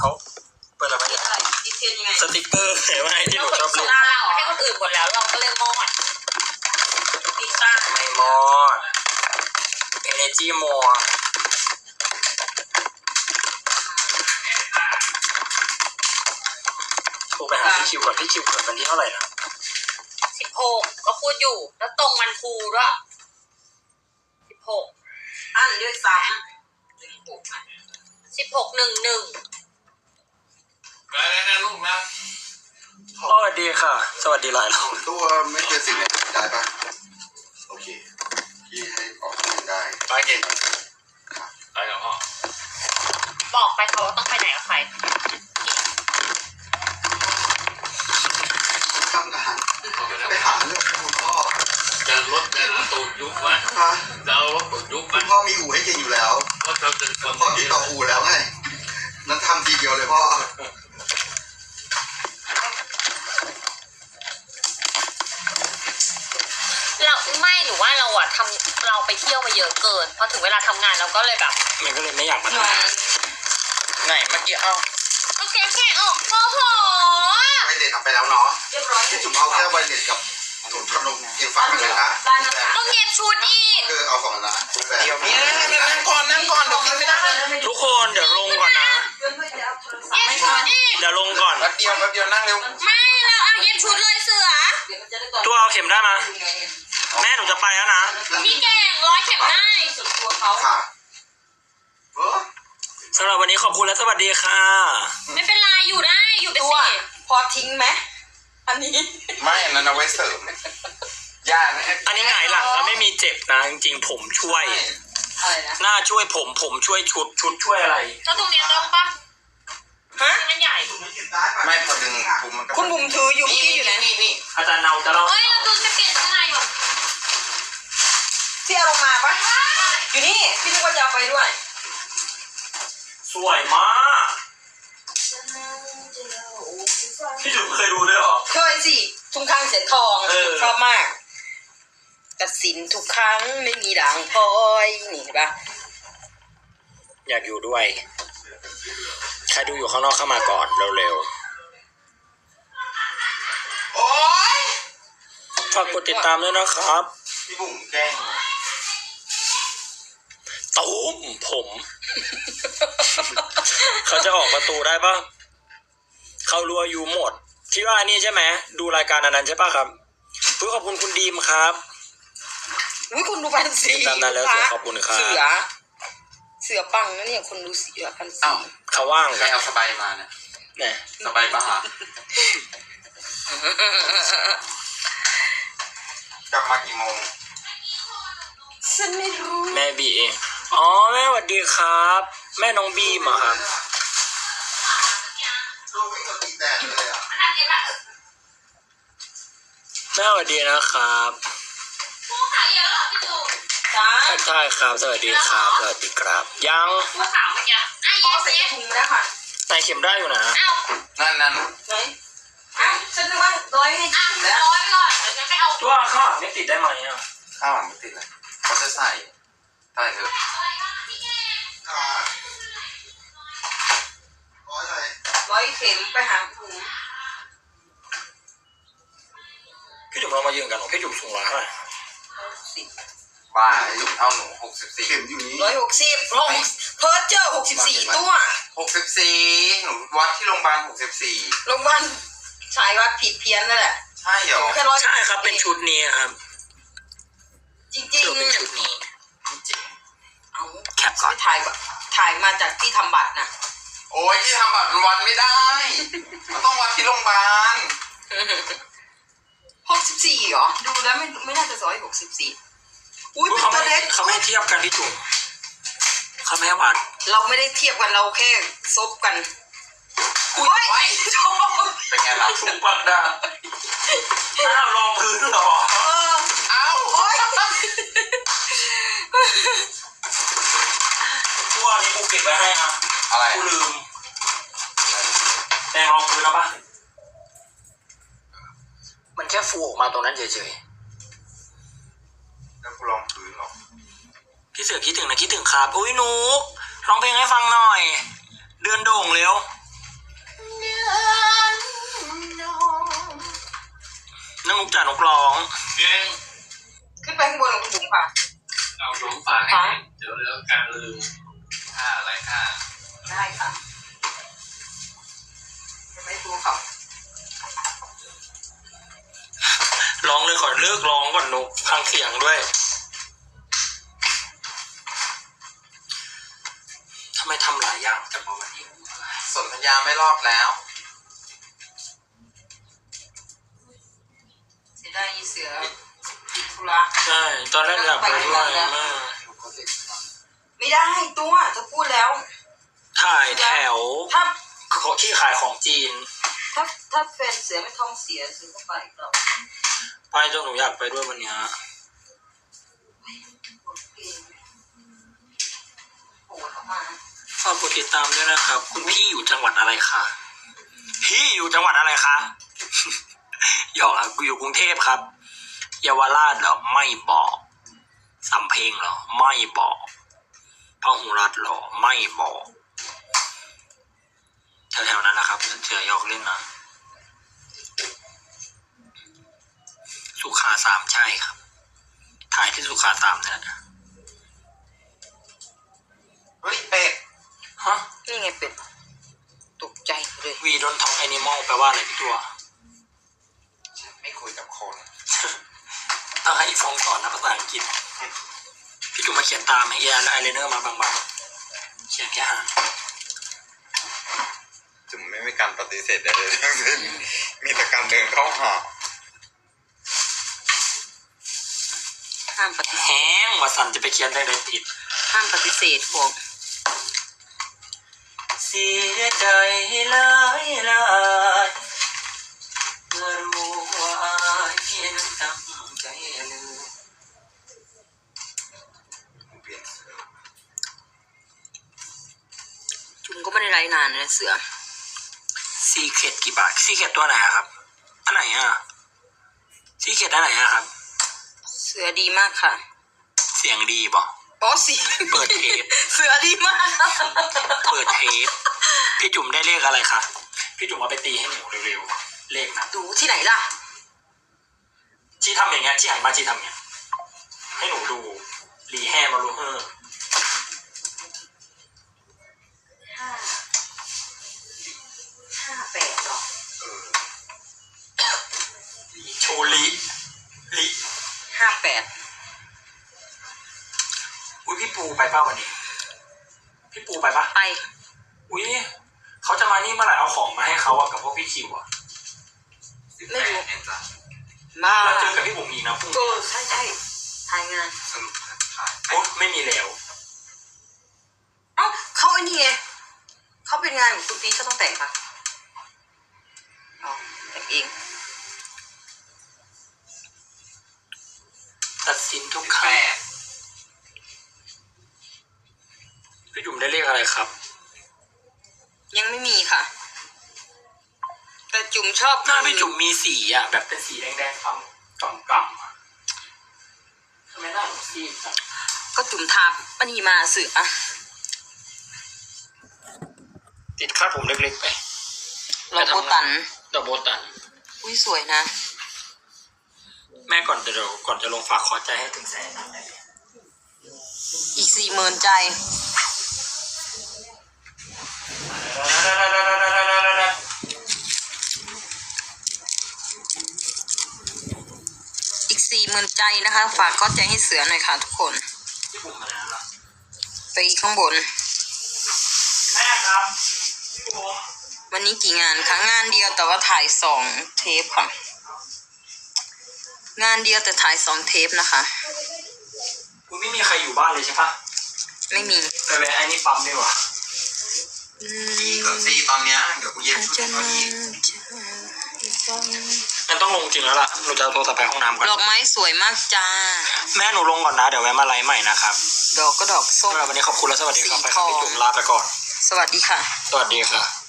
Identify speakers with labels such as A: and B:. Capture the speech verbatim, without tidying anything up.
A: เขาเปิดอะไรมาเนี่ยสติกเกอร์เห็นไหมที่หนูชอบเล่น
B: เราให้คนอื่นหมดแล้วเราก็เลยมอดพิซซ่า
A: ไม่มอด Energy more โทรไปหาพี่คิวก่อนพี่คิวเกิดวันที่เท่าไหร่นะ
B: สิบหกก็พูดอยู่แล้วตรงวันครูด้วยสิบหกอันด้วยซ้ำสิบหกสิบหกหนึ่งหนึ่ง
C: อะไรนะลูกนะ
A: สวัสดีค่ะ สวัสดีหลายรอบ
D: ตัวไม่เกินสิบเนี่ยได้ปะโอเคพี่ให้ออกได้
C: ไปเก่งไปกับพ่อ
B: บอกไปเขาต้องไปไหนกับใคร
D: ทำงานไปหาเรื่องคุณพ่อ
C: จะรถจะตูดยุบวะจะเอารถตูดยุบ
D: คุณพ่อมีอู่ให้เก่งอยู่แล้ว
C: เพราะเราจะ
D: พ่อติดต่ออู่แล้วไงนั้นทำทีเดียวเลยพ่อ
B: เราไม่หนูว่าเราอะทำเราไปเที่ยวมาเยอะเกินพอถึงเวลาทำงานเราก็เลยแบบ
A: มันก็เลยไม่อยากมาทำไหนเมื่อกี้เอ้า
B: โอเคแค่ออกโอ้โห
D: ไวเลสทำไปแล้วเนาะที่จุ่มเอาแค่ไวเลสกับจุ่มขนมเย็นฟ้าเลยนะ
B: ต้องเย็บชุดอีก
D: คือเอาสองนะ
A: เดี๋ยวนี้นั่งก่อนนั่งก่อนเดี๋ยวกินไม่ได้ทุกคนเดี๋ยวลงก่อนนะ
B: เย็บชุดอีก
A: เดี๋ยวลงก่อน
C: แป๊บเดียวแป๊บเดียวนั่งเร็ว
B: ไม่เราเอาเย็บชุดเลยเสือ
A: ตัวเอาเข็มได้ไหมแม่หนูจะไปแล้วนะ
B: พี่เก่งร้อยเข็มได้
D: ค่ะ
A: สำหรับวันนี้ขอบคุณและสวัสดีค่ะ
B: ไม่เป็นไรอยู่ได้อยู่ไปสิ
E: พอทิ้งไหมอันนี้
C: ไม่อันนั้นเอาไว้เสริมย่านะ
A: อันนี้หงายหลังแล้วไม่มีเจ็บนะจริงๆผมช่วย
E: อะไรนะ
A: หน้าช่วยผมผมช่วยชุดชุดช่วยอะไร
B: แล้วตรงนี้ต้องปะฮะมันใหญ่
C: ไม่พอดึงผมมันก็
E: คุณบุ๋มถืออยู่ที่อยู่ไหน
C: นี่นี่
A: อาจารย์เนาจะเล่า
B: เฮ้ยเราดูจะเปลี่ยนข้างในก่อน
E: ที่เอาลงมาปะอยู่นี่พี่นึกว่าจะเอาไปด้วย
A: สวยมากพี่จุ๋มเคยดูด้วยหรอ
E: เคยสิทุ่งข้างเสียงทองชอบมากตัดสินทุกครั้งไม่มีด่างพลอยนี่เห็นปะ
A: อยากอยู่ด้วยใครดูอยู่ข้างนอกเข้ามาก่อนเร็ว
C: ๆโอ๊ย
A: ฝากกดติดตามด้วยนะครับ
C: พี่บุ๋มแกล้ง
A: ตุ้มผมเขาจะออกประตูได้ปะเขารัวอยู่หมดที่ว่านี่ใช่ไหมดูรายการอันนั้นใช่ปะครับเพื่อขอบคุณคุณดีมครับ
E: อุ้ยคุณดูพันสี
A: ตามนั้นแล้วขอบคุณครับ
E: เสือเสือปังนะเนี่ยคนดูเสือพันสี
A: เขาว่าง
C: ใครเอาสบายมาเนี่ย
A: เนี่ย
C: สบายบ้า กลับมากี่โมง
E: ฉันไม่รู้
A: แม่บีเองอ๋อแม่สวัสดีครับแม่น้องบีมาครับแม่สวัสดีนะครับใช่ครับสวัสดีครับสวัสดีครับยัง
B: ผู้ขาวมันยังไอ้เย็บ
E: ใส่ถุงแล้วค่ะ
A: ใส่เข็มได้อยู่นะ
C: นั่นนั่น
E: ไหนอ้าวฉันนึกว่าร้อยให้ถุงแล้ว
B: ร้อยไปก่อนเดี๋ยวจะไปเอา
A: ตัวข้าวไม่ติดได้ไหมอ่ะ
C: ข้าวไม่ติดเลยเขาจะใส่ใส่เถอะ
E: ร้อยเข็มไปหาถุง
A: พี่จุ๋มเรามายืนกันหรอพี่จุ๋มสูงร้อยเท่าไหร่
E: สิบ
C: บ้าจุ๋มเอาหนูหกสิบสี่
D: เข็มอยู่นี้
E: ร้อยหกสิบหกเพิร์เจอร์หกสิบสี่ตัว
C: หกสิบสี่หนูวัดที่โรงพยาบาลหกสิบสี่
E: โรงพยาบาลชายวัดผิดเพี้ยนนั่นแหละ
C: ใช่เหรอ
A: ใช่ครับเป็นชุดนี้ครับ
E: จริงจริง
A: เป็นชุดนี้
C: จริง
E: เอาแคปก่อนถ่ายถ่ายมาจากที่ทำบัตรนะ
C: โอ้ยที่ทำบัตรมันวัดไม่ได้มันต้องวัดที่โรงพยาบาล
E: หกสิบสี่เหรอดูแล้วไม่ไม่น่าจะร้อยหกสิบสี่อุ้ยเป็นตัวเล็ก
A: เขาไม่เทียบกันที่จุ๋มเขาไม่วัด
E: เราไม่ได้เทียบกันเราแค่ซบกันอุ้ย
C: เป็นไงล่ะ
A: ถุงปักดาถ้าเราลองพื้นหรอ
C: เอ้า
A: ตัวนี้กูเก็บไว้ให้อ่ะ
C: อะไร
A: กูลืมแต่ลองพื้นแล้วป่ะมันแค่ฟูออกมาตรงนั้นเฉย
C: ๆแล้วกูลองพื้นหรอ
A: พี่เสือคิดถึงนะคิดถึงครับอุ้ยนุกร้องเพลงให้ฟังหน่อยเดือนโด่งเร็วจ่านกร้อง
C: เก่ง
E: ขึ้นไปข้างบนกับคุณบุ๋มค่ะ
C: เอาหลงฝากให้เดี๋ยวเรื่องการลืมค่าอะไรค่า
E: ได้ค่ะจะไม่ดูเขา
A: ร้องเลยขอเลิกร้องก่อนนกฟังเสียงด้วยทำไมทำหลายอย่างจังวะวันนี้
C: สนธยาไม่รอดแล้ว
E: เสียดายอีเสือติดธุระ
A: ใช่ตอนแรกอยากไปด้วยมาก
E: ไม่ได้ตัวจะพูดแล้ว
A: ถ่ายแถว
E: ถ้า
A: ที่ขายของจีน
E: ถ้าถ้าแฟนเสือไม่ท้องเสียเสือก็ไปเรา
A: ไปจนหนูอยากไปด้วยวันเนี้ย
E: โอ้เข้ามา
A: ฝากกดติดตามด้วยนะครับ คุณพี่อยู่จังหวัดอะไรคะพี่อยู่จังหวัดอะไรคะ หยอกครับกูอยู่กรุงเทพครับเยาวราชเหรอไม่บอกสำเพ็งเหรอไม่บอกพหุรัตน์เหรอไม่บอกแถวๆนั้นนะครับเสือหยอกเล่นนะสุขาสามใช่ครับ ถ่ายที่สุขาสามเนี่ย
C: เฮ้ยเป็ด
A: ฮะ
E: นี่ไงเป็ดตกใจเลย
A: วีดนทองแอนิมอลแปลว่าอะไรพี่ตัว
C: ไม่คุยกับคน
A: ต้องให้อีฟองสอนนะภาษาอังกฤษพี่จุ๋มมาเขียนตามให้เอไอเลเนอร์มาบางๆเขียนแค่หาง
C: จุ๋มไม่มีการปฏิเสธใดๆทั้งสิ้นมีแต่การเดินเข้าหา
E: ห้ามปฏิเส
A: แห้
E: ธ
A: งว่าสันจะไปเขียนได้ไรติด
E: ห้ามปฏิเสธพวก
A: เสียใจหลายหลายเมื่อรู้ว่าอายเพียงตั้งใจเลย
C: เปลี่ยนเสื้อ
E: จุนก็ไม่ได้ไลฟ์นานนะเสือ
A: ซีเคร็ดกี่บาทซีเคร็ดตัวไหนอะครับอันไหนอะซีเคร็ดอันไหนอะครับ
E: เสือดีมากค่ะ
A: เสียงดีบ่
E: อ๋อสิ
A: เปิดเทป
E: เสือดีมาก
A: เปิดเทปพี่จุ๋มได้เลขอะไรคะพี่จุ๋มเอาไปตีให้หนูเร็วๆเลขนะ
E: ดูที่ไหนล่ะ
A: ชี้ทำอย่างเงี้ยชี้หันมาชี้ทำเงี้ยให้หนูดูรีแฮมารูเฮอร์
E: ห้าห้าแปดหรอ
C: เออ
A: โชลีลี
E: ห้าแปด
A: อุ้ยพี่ปูไปป่ะวันนี้ พี่ปูไปป่ะ
E: ไป
A: อุ้ยเขาจะมานี่เมื่อไหร่เอาของมาให้เขาอะกับพวกพี่คิวอะ
E: ไม่รู้
C: เห็นจ้ะ
E: มา
A: แล้วเจอกับพี่บุ๋มอีกนะพรุ่ง
E: เอ
A: นี้
E: อใช่ใช่ถ่ายงาน
C: สรุปถ่าย
A: โอ้ไม่มีแล้ว
E: เอ้าเขาไอ้นี่ไงเขาเป็นงานของคุณปีเขาต้องแต่งปะอ๋อแต่งเอง
A: ตัดสินทุกค
C: แป
A: รั้ง
C: ด
A: พี่จุ๋มได้เลขอะไรครับ
E: ยังไม่มีค่ะ แต่จุ๋มชอบ
A: หน้าพี่จุ๋มมีสีอะแบบเป็นสีแดงๆทำกำกำอะทำไมหน้าหนูซีดจัง
E: ก็จุ๋มทาอันนี้มาเสือ
A: ติดคาดผมเล็กๆไป
E: เราโบตัน
A: ดอกโบตัน
E: อุ้ยสวยนะ
A: แม่ก่อนจะเดี๋ยวก่อนจะลงฝากขอใจให้ถึงแสน
E: อีกสี่หมื่นใจ อีกสี่หมื่นใจนะคะ ฝากเข้าใจให้เสือหน่อยค่ะทุกคน
A: พี่บุ๋มมาแล้วล่ะ
E: ไปอีกข้างบน
A: แม่ครับพี่บุ๋ม
E: วันนี้กี่งานคะงานเดียวแต่ว่าถ่ายสองเทปค่ะ งานเดียวแต่ถ่ายสองเทปนะคะ
A: คุณไม่มีใครอยู่บ้านเลยใช่ปะ
E: ไม่มี
A: ไปแวะไอ้นี่ปั๊มดีกว่า
C: ดีก่อนสิตอนเนี้ยเดี๋ยวกูเย็บชุด
E: จะ
C: ให้เขา
E: มา
C: อีก
A: งั้นต้องลงจริงแล้วล่ะหนูจะโทรศัพท์ไปห้องน้ำก่อน
E: ดอกไม้สวยมากจ้า
A: แม่หนูลงก่อนนะเดี๋ยวแวะมาไลฟ์ใหม่นะครับ
E: ดอกก็ดอกส้ม
A: สำหรับวันนี้ขอบคุณและสวัสดีครับ
E: สี
A: ไป
E: ท
A: ครับ
E: อง
A: พี่จุ๋มลาไปก่อน
E: สวัสดีค่ะ
A: สวัสดีค่ะ